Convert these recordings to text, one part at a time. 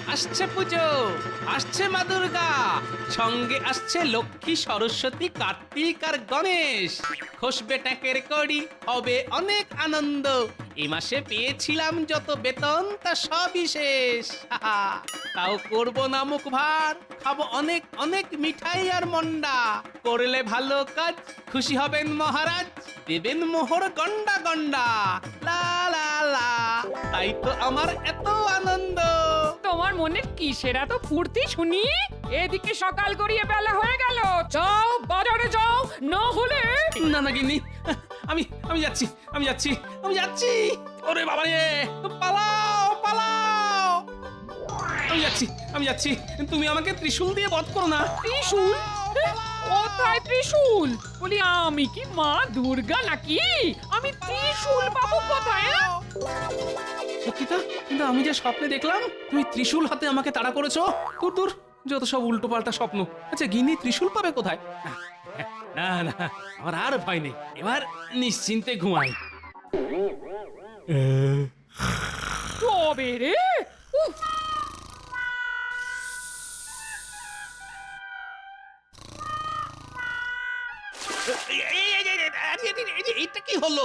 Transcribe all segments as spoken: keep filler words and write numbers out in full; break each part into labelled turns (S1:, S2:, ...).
S1: আসছে পুজো, আসছে মা দুর্গা, সঙ্গে আসছে লক্ষ্মী, সরস্বতী, কার্তিক আর গণেশ। খসবে ট্যাঁকের কড়ি, হবে অনেক আনন্দ। এই মাসে পেয়েছিলাম যত বেতন তা সবই শেষ। হাহা, তাও করবো না মুখ ভার, খাবো অনেক অনেক মিঠাই আর মন্ডা। করলে ভালো কাজ খুশি হবেন মহারাজ, দেবেন মোহর গন্ডা গন্ডা। লা লা লা, তাই তো আমার এত আনন্দ।
S2: তোমার মনে কিসের এত ফুর্তি শুনি? এদিকে সকাল গড়িয়ে বেলা হয়ে গেল, যাও বাজারে যাও, না হলে
S1: না না গিন্নি, আমি আমি যাচ্ছি আমি যাচ্ছি আমি যাচ্ছি। ওরে বাবা রে, পালাও পালাও। আমি যাচ্ছি আমি যাচ্ছি, তুমি আমাকে ত্রিশূল দিয়ে বধ করো না।
S2: ত্রিশূল? কোথায় ত্রিশূল? বলি আমি কি মা দুর্গা নাকি? আমি ত্রিশূল পাবো কোথায়? হ্যাঁ?
S1: সত্যি তো, কিন্তু আমি যে স্বপ্নে দেখলাম তুমি ত্রিশূল হাতে আমাকে তাড়া করেছো। দূর দূর, যত সব উল্টো পাল্টা স্বপ্ন। আচ্ছা গিন্নি ত্রিশূল পাবে কোথায়? না না, আমার আর ভয় নেই, এবার নিশ্চিন্তে ঘুমাই।
S2: তবে রে, উফ,
S1: এই, এই, এই, এই, এই, আরে, এই, এই, এই, এইটা কি হলো?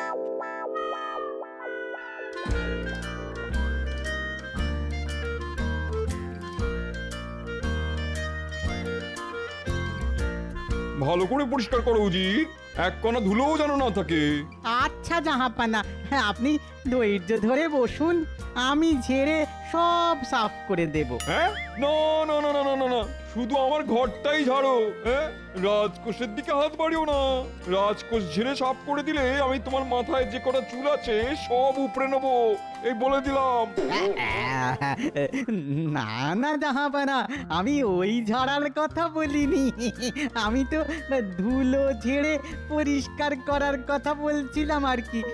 S3: ভালো করে পরিষ্কার করো উজির, এক কণা ধুলোও যেন না থাকে।
S4: আচ্ছা জাহাপানা, হ্যাঁ আপনি ধৈর্য ধরে বসুন, আমি ঝেড়ে সব সাফ করে দেব।
S3: হ্যাঁ, না না না না না না না, শুধু আমার ঘরটাই ঝাড়ো। হ্যাঁ, রাজকোষের দিকে হাত বাড়িও না। রাজকোষ ঝেড়ে সাফ করে দিলে আমি তোমার মাথায় যে কটা চুল আছে সব উপড়ে নেবো, এই বলে দিলাম।
S4: না না জাহাপানা, আমি ওই ঝাড়ার কথা বলিনি, আমি তো ধুলো ঝেড়ে পরিষ্কার করার কথা বলছিলাম আর কি।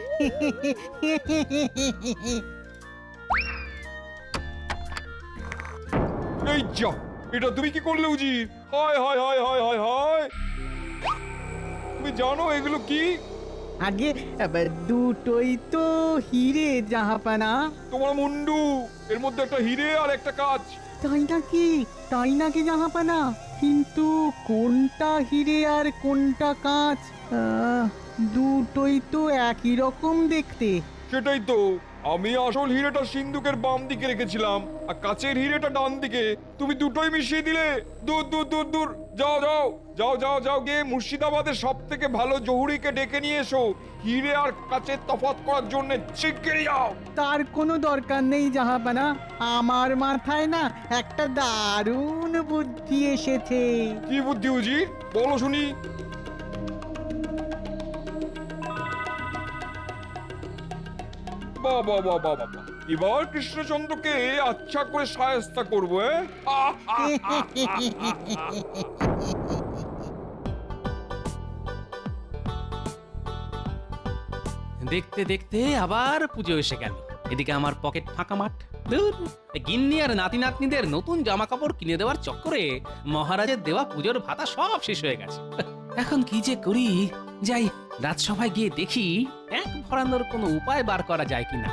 S3: এই যা, এটা তুমি কি করলে উজির? হায় হায় হায় হায় হায় হায়, তুমি জানো এগুলো কি?
S4: আগে আবার দুটোই তো হিরে জাহাপানা।
S3: তোমার মুন্ডু, এর মধ্যে একটা হিরে আর একটা কাঁচ।
S4: তাই নাকি? তাই নাকি জাহাপানা? কিন্তু কোনটা হিরে আর কোনটা কাঁচ? আহ, দুটোই তো একই রকম দেখতে।
S3: সেটাই তো, আমি আসল হিরেটা সিন্ধুকের বাম দিকে রেখেছিলাম আর কাচের হিরেটা ডান দিকে। তুমি দুটোই মিশিয়ে দিলে। দূর দূর দূর দূর, যাও যাও যাও যাও যাও গিয়ে মুর্শিদাবাদের সব থেকে ভালো জহুরিকে ডেকে নিয়ে এসো, হিরে আর কাচের তফাৎ করার জন্য। শিগগিরই যাও।
S4: তার কোনো দরকার নেই জাহাপানা, আমার মাথায় না একটা দারুণ বুদ্ধি এসেছে।
S3: কি বুদ্ধি উজির, বলো শুনি। বাহ বাহ বাহ বাহ বাহ, এবার কৃষ্ণচন্দ্রকে আচ্ছা করে শায়েস্তা করবো।
S1: দেখতে দেখতে আবার পুজো এসে গেল। এদিকে আমার পকেট ফাঁকা মাঠ। ধুর, এই গিন্নি আর নাতি নাতনিদের নতুন জামা কাপড় কিনে দেওয়ার চক্করে মহারাজের দেওয়া পুজোর ভাতা সব শেষ হয়ে গেছে। এখন কি যে করি, যাই রাজসভায় গিয়ে দেখি এক ভরানোর কোনো উপায় বার করা যায় কিনা।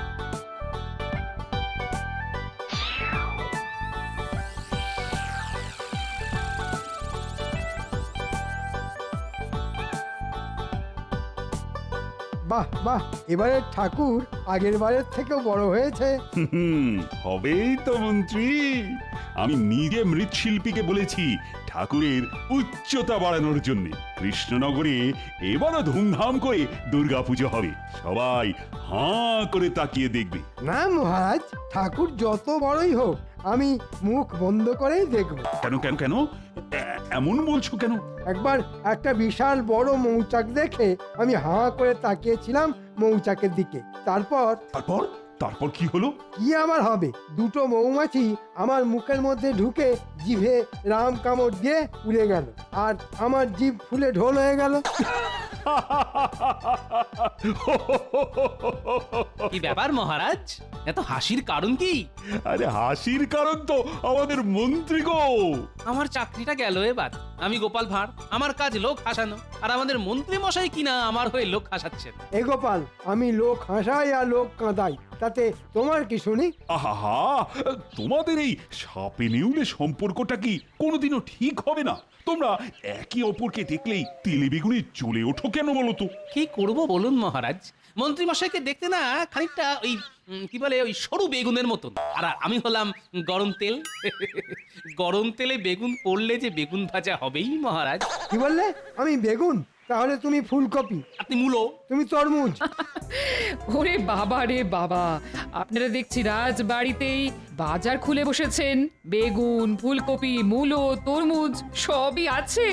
S5: বাহ বাহ, এবারে ঠাকুর আগের বারের থেকেও বড় হয়েছে।
S6: হুম, হবেই তো মন্ত্রী। আমি নিজে মৃৎশিল্পীকে বলেছি ঠাকুরের উচ্চতা বাড়ানোর জন্য। কৃষ্ণনগরে এবারও ধুমধাম করে দুর্গাপুজো হবে, সবাই হাঁ করে তাকিয়ে দেখবে।
S5: না মহারাজ, ঠাকুর যত বড়ই হোক আমি মুখ বন্ধ করেই দেখব।
S6: কেন কেন কেন এ- এমন বলছো কেন?
S5: একবার একটা বিশাল বড় মৌচাক দেখে আমি হাঁ করে তাকিয়েছিলাম মৌচাকের দিকে। তারপর
S6: তারপর তারপর কি হলো?
S5: কি আবার হবে, দুটো মৌমাছি আমার মুখের মধ্যে ঢুকে জিভে রাম কামড় দিয়ে উড়ে গেল, আর আমার জিভ ফুলে ঢোল হয়ে গেল।
S1: কি ব্যাপার মহারাজ, এত হাসির কারণ কি?
S6: আরে হাসির কারণ তো আমাদের মন্ত্রী গো।
S1: আমার চাকরিটা গেল এবার। আমি গোপাল ভাঁড়, আমার কাজ লোক হাসানো, আর আমাদের মন্ত্রী মশাই কিনা আমার হয়ে লোক হাসাচ্ছেন।
S5: এ গোপাল, আমি লোক হাসাই আর লোক কাঁদাই, তাতে তোমার কি শুনি?
S6: আহা, তোমাদের এই সাপে নেউলে সম্পর্কটা কি কোনোদিনও ঠিক হবে না? তোমরা একে অপরকে দেখলেই তেলে বেগুনে জ্বলে ওঠো কেন বলো তো?
S1: কি করব বলুন মহারাজ, মন্ত্রী মশাইকে দেখতে না খানিকটা ওই উম, কি বলে ওই সরু বেগুনের মতন, আর আমি হলাম গরম তেল। গরম তেলে বেগুন পড়লে যে বেগুন ভাজা হবেই মহারাজ।
S5: কি বললে? আমি বেগুন? তাহলে তুমি ফুলকপি,
S1: আপনি মূলো।
S5: তুমি তরমুজ।
S2: ওরে বাবা রে বাবা, আপনারা দেখছি রাজবাড়িতেই বাজার খুলে বসেছেন। বেগুন, ফুলকপি, মূলো, তরমুজ সবই আছে।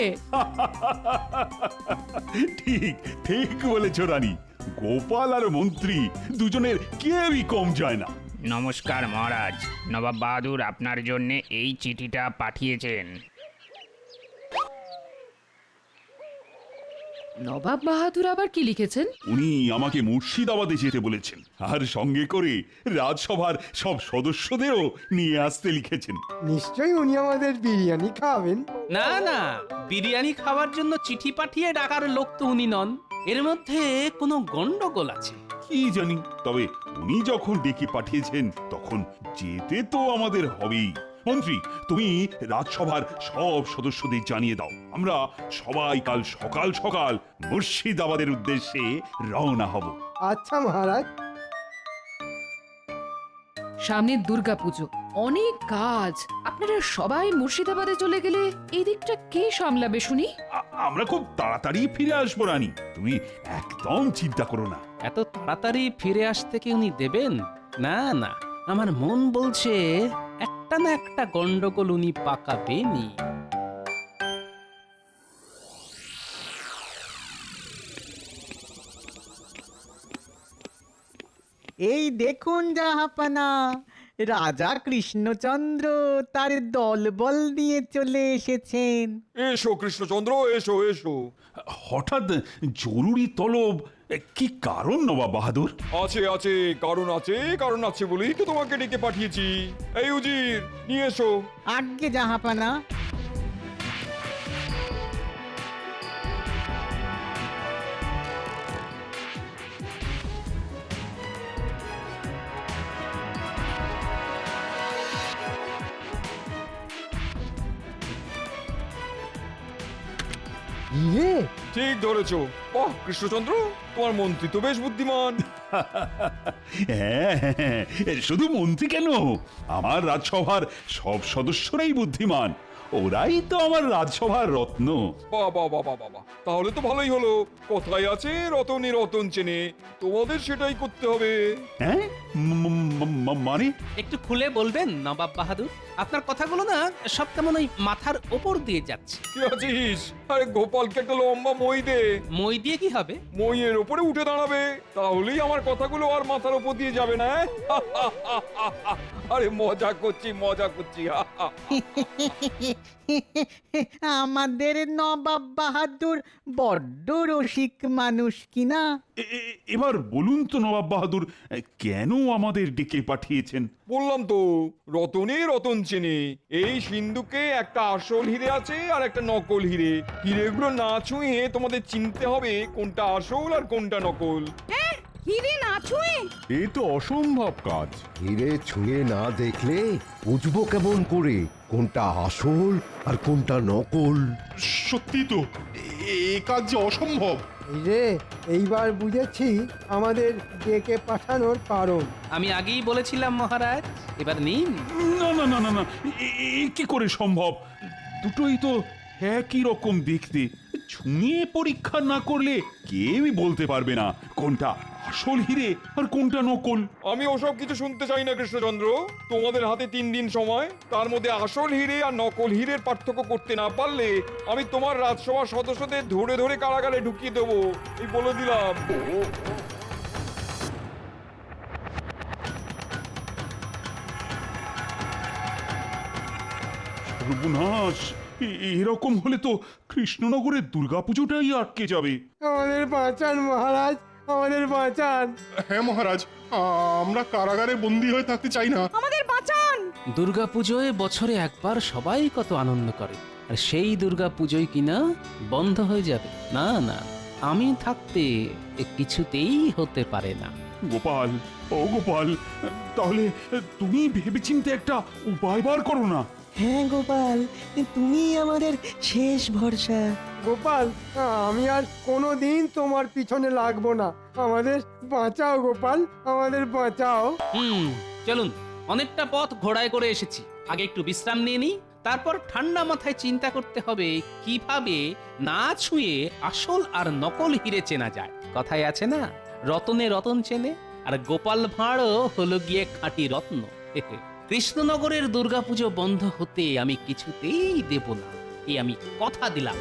S6: ঠিক ঠিক বলেছ রানী। গোপাল আর মন্ত্রী দুজনের কেউই কম যায় না।
S7: নমস্কার মহারাজ, নবাব বাহাদুর আপনার জন্য এই চিঠিটা পাঠিয়েছেন।
S2: নবাব বাহাদুর আবার কি লিখেছেন?
S6: উনি আমাকে মুর্শিদাবাদে যেতে বলেছেন, আর সঙ্গে করে রাজসভার সব সদস্যদেরও নিয়ে আসতে লিখেছেন।
S5: নিশ্চয়ই উনি আমাদের বিরিয়ানি খাওয়াবেন।
S1: না না, বিরিয়ানি খাওয়ার জন্য চিঠি পাঠিয়ে ডাকার লোক তো উনি নন। এর মধ্যে কোনো গন্ডগোল আছে।
S6: কি জানি, তবে উনি যখন ডেকে পাঠিয়েছেন তখন যেতে তো আমাদের হবেই। মন্ত্রী, তুমি রাজসভার সব সদস্যদের জানিয়ে দাও, আমরা সবাই কাল সকাল সকাল মুর্শিদাবাদের উদ্দেশ্যে রওনা হব।
S5: আচ্ছা মহারাজ।
S2: সামনে দুর্গাপুজো, অনেক কাজ। আপনারা সবাই মুর্শিদাবাদে চলে গেলে এই দিকটা কে সামলাবে শুনি?
S6: আ- আমরা খুব তাড়াতাড়ি ফিরে আসবো রানী, তুমি একদম চিন্তা করো না।
S1: এত তাড়াতাড়ি ফিরে আসতে কি উনি দেবেন? না না, আমার মন বলছে একটা না একটা গন্ডগোল উনি পাকাবেনই।
S4: এই দেখুন জাহাপানা, রাজা কৃষ্ণচন্দ্র তার দলবল নিয়ে চলে এসেছেন।
S3: এসো কৃষ্ণচন্দ্র, এসো এসো।
S6: হঠাৎ জরুরি তলব, কি কারণ নবাব বাহাদুর?
S3: আছে আছে কারণ আছে, কারণ আছে বলেই তো তোমাকে ডেকে পাঠিয়েছি। এই উজির, নিয়ে এসো।
S4: আজ্ঞে জাহাপানা।
S5: ইয়ে,
S3: ঠিক ধরেছো। বাহ কৃষ্ণচন্দ্র, তোমার মন্ত্রী তো বেশ বুদ্ধিমান।
S6: হ্যাঁ, হ্যাঁ, শুধু মন্ত্রী কেন, আমার রাজসভার সব সদস্যরাই বুদ্ধিমান। ওরাই তো আমার রাজসভার রত্ন।
S3: বাবা বাবা বাবা, তাহলে তো ভালোই হলো। কোথায় আছে রতনে রতন চেনে, তোমাদের সেটাই করতে হবে।
S6: হ্যাঁ, ম- ম- ম- মানে
S1: একটু খুলে বলবেন নবাব বাহাদুর? আপনার কথাগুলো না সব কেমন ওই মাথার ওপর দিয়ে যাচ্ছে।
S3: কি আছিস? আরে গোপালকে একটা লম্বা মই দে।
S1: মই দিয়ে কি হবে?
S3: মইয়ের ওপরে উঠে দাঁড়াবে, তাহলেই আমার কথাগুলো আর মাথার ওপর দিয়ে যাবে না। আরে মজা করছি মজা করছি।
S4: আমাদের নবাব বাহাদুর বড্ড রসিক মানুষ কিনা।
S6: এ- এ- এবার বলুন তো নবাব বাহাদুর, কেন আমাদের ডেকে পাঠিয়েছেন?
S3: বললাম তো, রতনে রতন চেনে। এই সিন্ধুকে একটা আসল হিরে আছে আর একটা নকল হিরে। হিরেগুলো না ছুঁয়ে তোমাদের চিনতে হবে কোনটা আসল আর কোনটা নকল।
S8: হিরে না ছুঁয়ে?
S9: এ তো অসম্ভব কাজ। হিরে ছুঁয়ে না দেখলে বুঝবো কেমন করে কোনটা আসল আর কোনটা নকল?
S10: সত্যি তো, এ কাজ যে অসম্ভব।
S5: এই রে, এইবার বুঝেছি আমাদের ডেকে পাঠানোর কারণ।
S1: আমি আগেই বলেছিলাম মহারাজ, এবার নিন।
S6: না না না না না, এ- এ কি করে সম্ভব? দুটোই তো একই রকম দেখতে। ছুঁয়ে পরীক্ষা না করলে কেউই বলতে পারবে না কোনটা আসল হিরে আর কোনটা নকল।
S3: আমি ওসব কিছু শুনতে চাই না কৃষ্ণচন্দ্র। তোমাদের হাতে তিন দিন সময়, তার মধ্যে আসল হিরে আর নকল হীরের পার্থক্য করতে না পারলে আমি তোমার রাজসভার সদস্যদের ধরে ধরে কারাগারে ঢুকিয়ে দেবো, এই বলে দিলাম।
S6: সর্বনাশ, এ- এরকম হলে তো কৃষ্ণনগরের দুর্গাপুজোটাই আটকে যাবে।
S5: আমাদের বাঁচান মহারাজ, আমাদের বাঁচান।
S10: হ্যাঁ মহারাজ, আমরা কারাগারে বন্দি হয়ে থাকতে চাই না।
S8: আমাদের বাঁচান।
S1: দুর্গাপুজোয় বছরে একবার সবাই কত আনন্দ করে, আর সেই দুর্গাপুজোয় কিনা বন্ধ হয়ে যাবে? না না, আমি থাকতে এ কিছুতেই হতে পারে না।
S6: গোপাল, ও গোপাল, তাহলে তুমি ভেবেচিন্তে একটা উপায় বার করো না।
S4: হ্যাঁ গোপাল, তুমি আমাদের শেষ ভরসা।
S5: গোপাল, আমি আর কোনো দিন তোমার পিছনে লাগবো না। আমাদের বাঁচাও গোপাল, আমাদের বাঁচাও।
S1: হুম, চলুন, অনেকটা পথ ঘোড়ায় করে এসেছি, আগে একটু বিশ্রাম নিয়ে নিই, তারপর ঠান্ডা মাথায় চিন্তা করতে হবে কিভাবে না ছুঁয়ে আসল আর নকল হিরে চেনা যায়। কথায় আছে না, রতনে রতন চেনে, আর গোপাল ভাঁড়ও হলো গিয়ে খাঁটি রত্ন। কৃষ্ণনগরের দুর্গাপুজো বন্ধ হতে আমি কিছুতেই দেব না, এই আমি কথা দিলাম।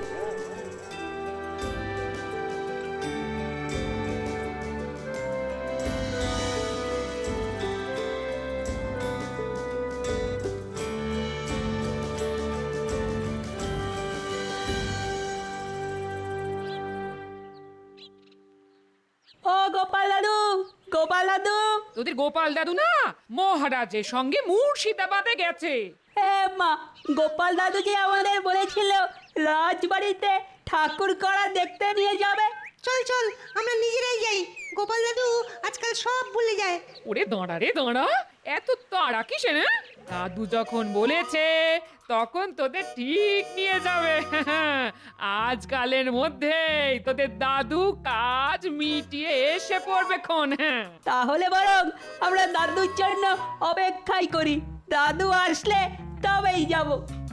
S8: ও গোপাল দাদু, গোপাল দাদু।
S2: তোদের গোপাল দাদু না মহারাজের সঙ্গে মুর্শিদাবাদে গেছে।
S8: হ্যাঁ মা, গোপাল দাদু যে আমাদের বলেছিল রাজবাড়িতে ঠাকুর করা দেখতে নিয়ে যাবে।
S11: চল চল, আমরা নিজেরাই যাই। গোপাল দাদু আজকাল সব ভুলে যায়।
S2: ওরে দাঁড়া রে দাঁড়া, এত তাড়া কিসে না? দাদু যখন বলেছে তখন তোদের ঠিক নিয়ে যাবে। আজকালের মধ্যেই তোদের দাদু কাজ মিটিয়ে এসে পড়বে খন। হ্যাঁ,
S8: তাহলে বরং আমরা দাদুর জন্য অপেক্ষাই করি, দাদু আসলে তবেই যাব।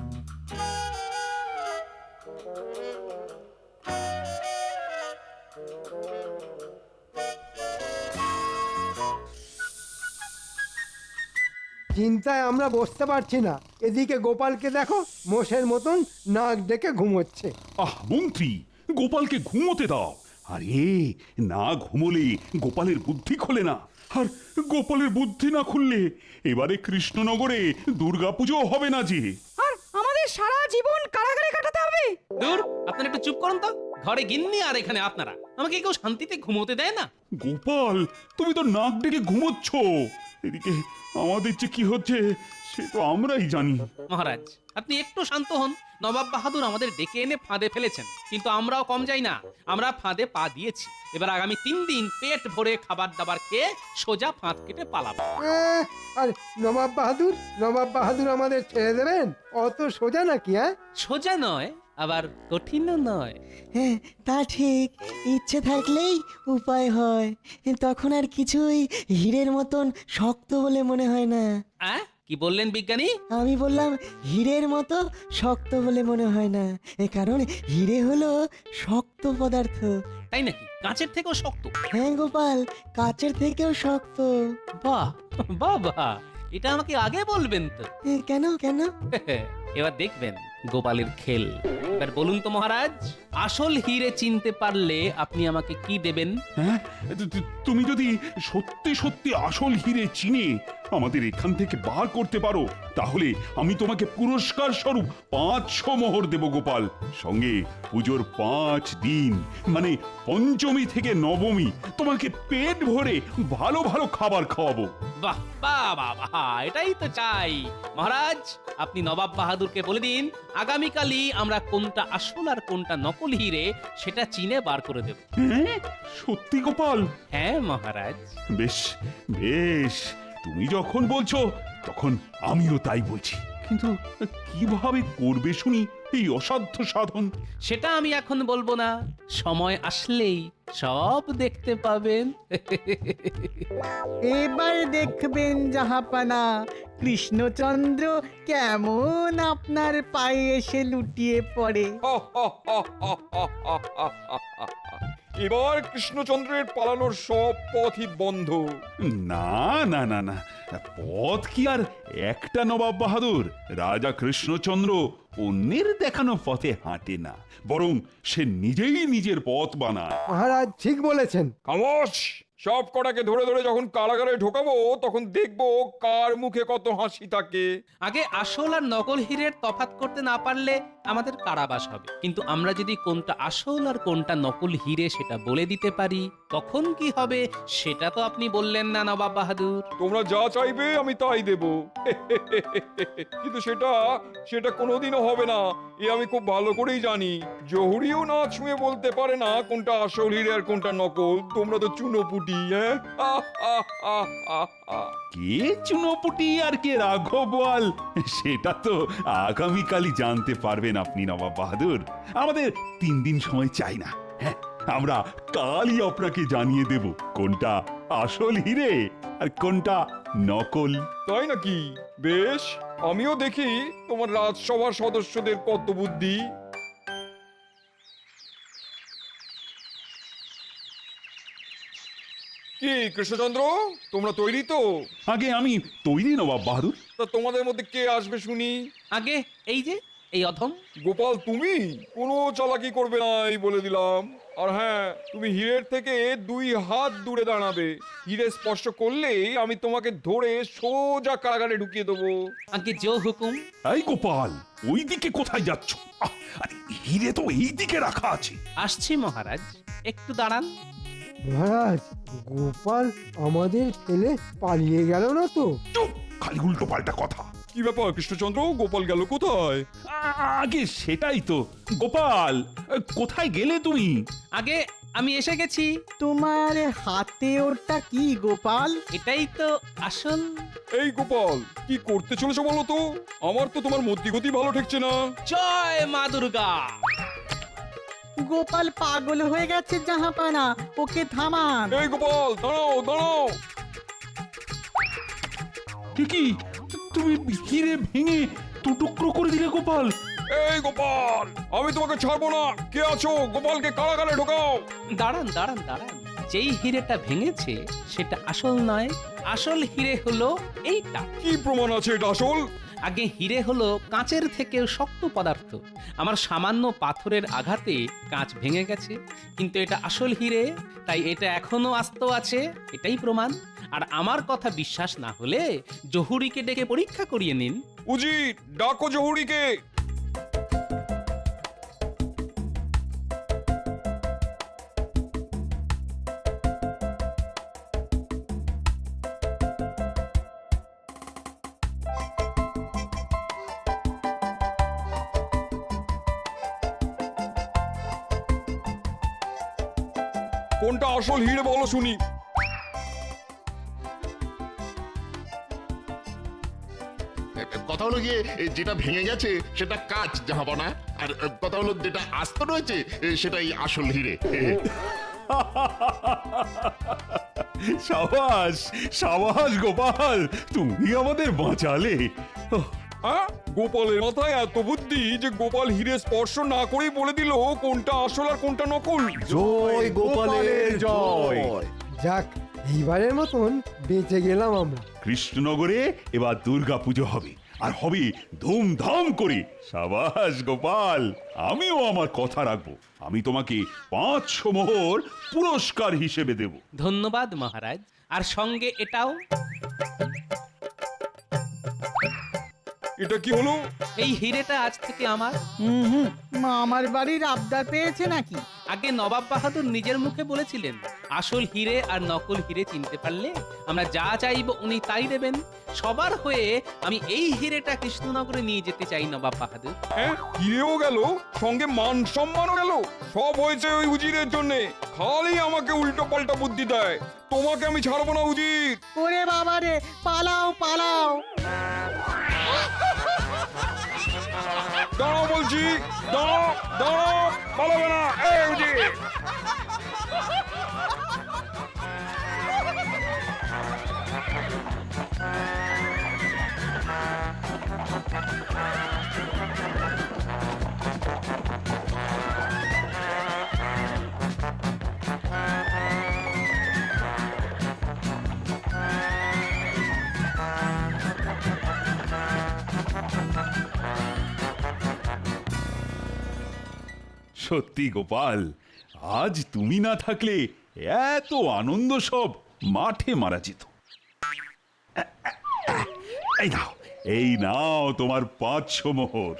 S5: চিন্তায় আমরা বসতে পারছি না। এদিকে গোপালকে দেখো, মোষের মতন নাক ডেকে ঘুমোচ্ছে।
S6: আহ মন্ত্রী, গোপালকে ঘুমোতে দাও। আরে না ঘুমোলে গোপালের বুদ্ধি খোলে না, আর গোপালের বুদ্ধি না খুললে এবারে কৃষ্ণনগরে দুর্গাপুজো হবে না যে।
S8: আর আমাদের সারা জীবন কারাগারে কাটাতে হবে।
S1: দূর, আপনারা একটু চুপ করুন তো। ঘরে গিন্নি আর এখানে আপনারা, আমাকে কেউ শান্তিতে ঘুমোতে দেয় না।
S6: গোপাল, তুমি তো নাক ডেকে ঘুমোচ্ছ, এদিকে আমাদের যে কি হচ্ছে সে তো আমরাই জানি।
S1: মহারাজ, আপনি একটু শান্ত হন। নবাব বাহাদুর আমাদের ডেকে এনে ফাঁদে ফেলেছেন, কিন্তু আমরাও কম যাই না, আমরা ফাঁদে পা দিয়েছি। এবার আগামী তিন দিন পেট ভরে খাবার দাবার খেয়ে সোজা ফাঁদ কেটে পালাবো।
S5: আহ, আর নবাব বাহাদুর, নবাব বাহাদুর আমাদের ছেড়ে দেবেন? অত সোজা নাকি? হ্যাঁ,
S1: সোজা নয়, আবার কঠিনও নয়।
S4: হ্যাঁ তা ঠিক, ইচ্ছে থাকলেই উপায় হয়। তখন আর কিছুই হীরের মতন শক্ত বলে মনে হয় না।
S1: আ? কি বললেন বিজ্ঞানী?
S4: আমি বললাম হীরের মতো শক্ত বলে মনে হয় না, এ কারণ হীরে হলো শক্ত পদার্থ।
S1: তাই নাকি? কাঁচের থেকেও শক্ত?
S4: হ্যাঁ গোপাল, কাচের থেকেও শক্ত।
S1: বাহ বাহ বাহ, এটা আমাকে আগে বলবেন তো।
S4: এ, কেন কেন?
S1: এবার দেখবেন গোপালের খেল। এবার বলুন তো মহারাজ, আসল হিরে চিনতে পারলে আপনি আমাকে কি দেবেন?
S6: হ্যাঁ, তু- তু- তুমি যদি সত্যি সত্যি আসল হিরে চিনে আমাদের এখান থেকে বার করতে পারো, তাহলে আমি তোমাকে পুরস্কার স্বরূপ পাঁচশো মোহর দেব গোপাল। সঙ্গে পুজোর পাঁচ দিন মানে পঞ্চমী থেকে নবমী তোমাকে পেট ভরে ভালো ভালো খাবার খাওয়াবো।
S1: বাহ বাহ বাহ বাহ, এটাই তো চাই। মহারাজ, আপনি নবাব বাহাদুরকে বলে দিন আগামীকালই আমরা কোনটা আসল আর কোনটা নকল হিরে সেটা চিনে বার করে দেব।
S6: হ্যাঁ, সত্যি গোপাল?
S1: হ্যাঁ মহারাজ।
S6: বেশ বেশ, তুমি যখন বলছো তখন আমিও তাই বলছি, কিন্তু কিভাবে করবে শুনি এই অসাধ্য সাধন?
S1: সেটা আমি এখন বলবো না, সময় আসলেই সব দেখতে পাবেন।
S4: এবার দেখবেন জাহাপানা, কৃষ্ণচন্দ্র কেমন আপনার পায়ে এসে লুটিয়ে পড়ে।
S3: এবার কৃষ্ণচন্দ্রের পালানোর সব পথই বন্ধ।
S6: না না না না, পথ কি আর একটা নবাব বাহাদুর? রাজা কৃষ্ণচন্দ্র অন্যের দেখানো পথে হাঁটে না, বরং সে নিজেই নিজের পথ বানায়।
S5: মহারাজ ঠিক বলেছেন।
S3: খামোশ! সব কটাকে ধরে ধরে যখন কারাগারে ঢোকাবো তখন দেখবো কার মুখে কত হাসি থাকে।
S1: আগে আসল আর নকল হীরের তফাৎ করতে না পারলে আমাদের কারাবাস হবে, কিন্তু আমরা যদি কোনটা আসল আর কোনটা নকল হীরে সেটা বলে দিতে পারি তখন কি হবে সেটা তো আপনি বললেন না নবাব বাহাদুর।
S3: তোমরা যা চাইবে আমি তাই দেব, কিন্তু সেটা সেটা কোনোদিনও হবে না, এ আমি খুব ভালো করেই জানি। জহুরিও না ছুঁয়ে বলতে পারে না কোনটা আসল হিরে আর কোনটা নকল। তোমরা তো চুনোপুটি। হ্যাঁ,
S6: কে চুনোপুটি আর কে রাঘব বোয়াল সেটা তো আগামীকালই জানতে পারবেন আপনি নবাব বাহাদুর। আমাদের তিন দিন সময় চাই না। হ্যাঁ, আমরা কালই আপনাকে জানিয়ে দেব কোনটা আসল হিরে আর কোনটা নকল।
S3: তাই নাকি? বেশ, আমিও দেখি তোমার রাজসভার সদস্যদের কত বুদ্ধি। কি কৃষ্ণচন্দ্র, তোমরা তৈরি তো?
S6: আগে আমি তৈরি নবাব বাহাদুর।
S3: তা তোমাদের মধ্যে কে আসবে শুনি?
S1: আগে এই যে এই অধম।
S3: গোপাল, তুমি কোনো চালাকি করবে না এই বলে দিলাম। আর হ্যাঁ, তুমি হীরের থেকে দুই হাত দূরে দাঁড়াবে। হীরে স্পর্শ করলেই আমি তোমাকে ধরে সোজা কারাগারে ঢুকিয়ে দেবো।
S1: আগে জো হুকুম।
S6: এই গোপাল, ওই দিকে কোথায় যাচ্ছ? আহ, আরে হিরে তো এই দিকে রাখা আছে।
S1: আসছি মহারাজ, একটু দাঁড়ান।
S5: মহারাজ, গোপাল আমাদের ফেলে পালিয়ে গেল না তো?
S6: চুপ, খালি উল্টো পাল্টা কথা।
S3: কি ব্যাপার কৃষ্ণচন্দ্র, গোপাল গেল কোথায়?
S6: আ- আগে সেটাই তো। গোপাল, কোথায় গেলে তুমি?
S1: আগে আমি এসে গেছি।
S4: তোমার হাতে ওটা কি গোপাল?
S1: এটাই তো আসল।
S3: এই গোপাল, কি করতে চলেছো বলো তো? আমার তো তোমার মতি গতি ভালো ঠেকছে না।
S1: জয় মা দুর্গা।
S4: গোপাল পাগল হয়ে গেছে জাহাপানা, ওকে থামান।
S3: এই গোপাল, দাঁড়াও দাঁড়াও।
S6: কি তুমি হিরে ভেঙে দু টুকরো করে দিলে গোপাল?
S3: এই গোপাল, আমি তোমাকে ছাড়বো না। কে আছো? গোপালকে কারাগারে ঢোকাও।
S1: দাঁড়ান দাঁড়ান দাঁড়ান, যেই হিরেটা ভেঙেছে সেটা আসল নয়। আসল হিরে হলো এইটা।
S3: কি প্রমাণ আছে এটা আসল?
S1: আগে হিরে হলো কাঁচের থেকেও শক্ত পদার্থ। আমার সামান্য পাথরের আঘাতে কাঁচ ভেঙে গেছে, কিন্তু এটা আসল হিরে, তাই এটা এখনো আস্ত আছে। এটাই প্রমাণ। আর আমার কথা বিশ্বাস না হলে জহুরিকে ডেকে পরীক্ষা করিয়ে নিন।
S3: উজির, ডাকো জহুরিকে। কোনটা আসল হিরে বলো শুনি।
S10: কথা হলো গিয়ে এ, যেটা ভেঙে গেছে সেটা কাঁচ জাহাপনা, আর এ, কথা হলো যেটা আস্ত রয়েছে এ, সেটাই আসল হিরে।
S6: সাবাস সাবাস গোপাল, তুমি আমাদের বাঁচালে। ওহ,
S3: হ্যাঁ, গোপালের মাথায় এত বুদ্ধি যে গোপাল হিরে স্পর্শ না করেই বলে দিল কোনটা আসল আর কোনটা নকল।
S9: জয় গোপালের জয়।
S5: যাক, এইবারের মতন বেঁচে গেলাম আমরা।
S6: কৃষ্ণনগরে এবার দুর্গা পুজো হবে, আর হবে ধুমধাম করে। সাবাস গোপাল, আমিও আমার কথা রাখবো। আমি তোমাকে পাঁচশো মোহর পুরস্কার হিসেবে দেব।
S1: ধন্যবাদ মহারাজ। আর সঙ্গে এটাও।
S3: এটা কি হলো?
S1: এই হিরেটা আজ থেকে আমার।
S4: হুম হুম, মামার বাড়ির আবদার পেয়েছে নাকি?
S1: আগে নবাব বাহাদুর নিজের মুখে বলেছিলেন আসল হিরে আর নকল হিরে চিনতে পারলে আমরা যা চাইব উনি তাই দেবেন। সবার হয়ে আমি এই হিরেটা কৃষ্ণনগরে নিয়ে যেতে চাই নবাব বাহাদুর।
S3: হ্যাঁ, হিরেও গেল, সঙ্গে মান সম্মানও গেল। সব হয়েছে ওই উজিরের জন্যে। খালি আমাকে উল্টো পাল্টা বুদ্ধি দেয়। তোমাকে আমি ছাড়বো না উজির।
S4: ওরে বাবা রে, পালাও পালাও।
S3: দাঁড়াও বলছি, দাঁড়াও দাঁড়াও, পালাবে না। এই উজির,
S6: সত্যি গোপাল, আজ তুমি না থাকলে এত আনন্দ সব মাঠে মারা যেত। এই নাও, এই নাও তোমার পাঁচশো মোহর।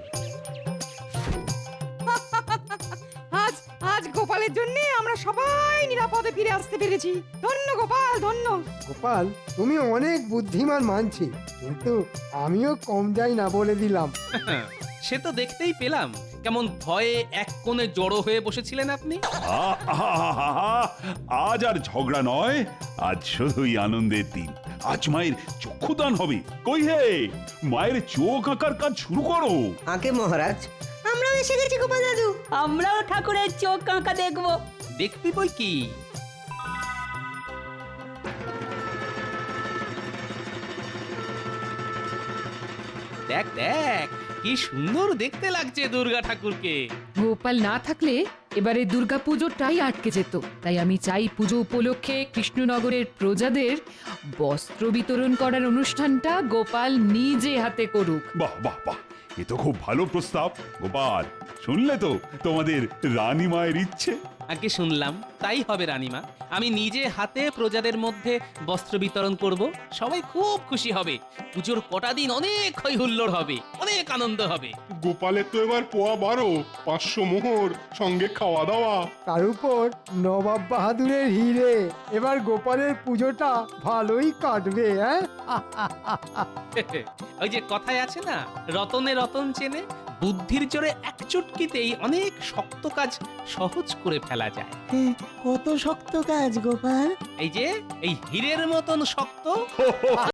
S11: আজ আজ গোপালের জন্য আমরা সবাই নিরাপদে ফিরে আসতে পেরেছি। ধন্য গোপাল, ধন্য।
S5: গোপাল, তুমি অনেক বুদ্ধিমান মানছি, কিন্তু আমিও কম যাই না বলে দিলাম।
S1: সে তো দেখতেই পেলাম কেমন ভয়ে এক কোণে জড়ো হয়ে বসেছিলেন আপনি।
S6: আহ, আহা, আজ আর ঝগড়া নয়, আজ শুধুই আনন্দের দিন। আজ মায়ের চক্ষুদান হবে। কই হে, মায়ের চোখ আঁকার কাজ শুরু করো।
S12: আগে মহারাজ,
S11: আমরাও এসে গেছি গোপাল দাদু।
S8: আমরাও ঠাকুরের চোখ কাঁকা দেখবো।
S1: দেখবি বই কি? দেখ দেখ কি সুন্দর দেখতে লাগছে দুর্গা ঠাকুরকে।
S2: গোপাল না থাকলে এবারে দুর্গা পুজোটাই আটকে যেত। তাই আমি চাই পুজো উপলক্ষে কৃষ্ণনগরের প্রজাদের বস্ত্র বিতরণ করার অনুষ্ঠানটা গোপাল নিজে হাতে করুক।
S6: বাহ বাহ বাহ, এ তো খুব ভালো প্রস্তাব। গোপাল, শুনলে তো তোমাদের রানী মায়ের ইচ্ছে।
S1: আগে শুনলাম, তাই হবে রানীমা। আমি নিজে হাতে প্রজাদের মধ্যে বস্ত্র বিতরণ করব, সবাই খুব খুশি হবে। পুজোর কটা দিন অনেক হই হুল্লোড় হবে, অনেক আনন্দ হবে।
S10: গোপালের তো এবার পোয়া বারো, পাঁচশো মোহর, সঙ্গে খাওয়া দাওয়া।
S5: তার উপর নবাব বাহাদুরের হিরে, এবার গোপালের পুজোটা ভালোই কাটবে। হ্যাঁ,
S1: ওই যে কথায় আছে না, রতনে রতন চেনে। বুদ্ধির জোরে এক চুটকিতেই অনেক শক্ত কাজ সহজ করে ফেলা যায়।
S4: কত শক্ত কাজ গোপাল।
S1: এই যে এই হীরের মতন শক্ত।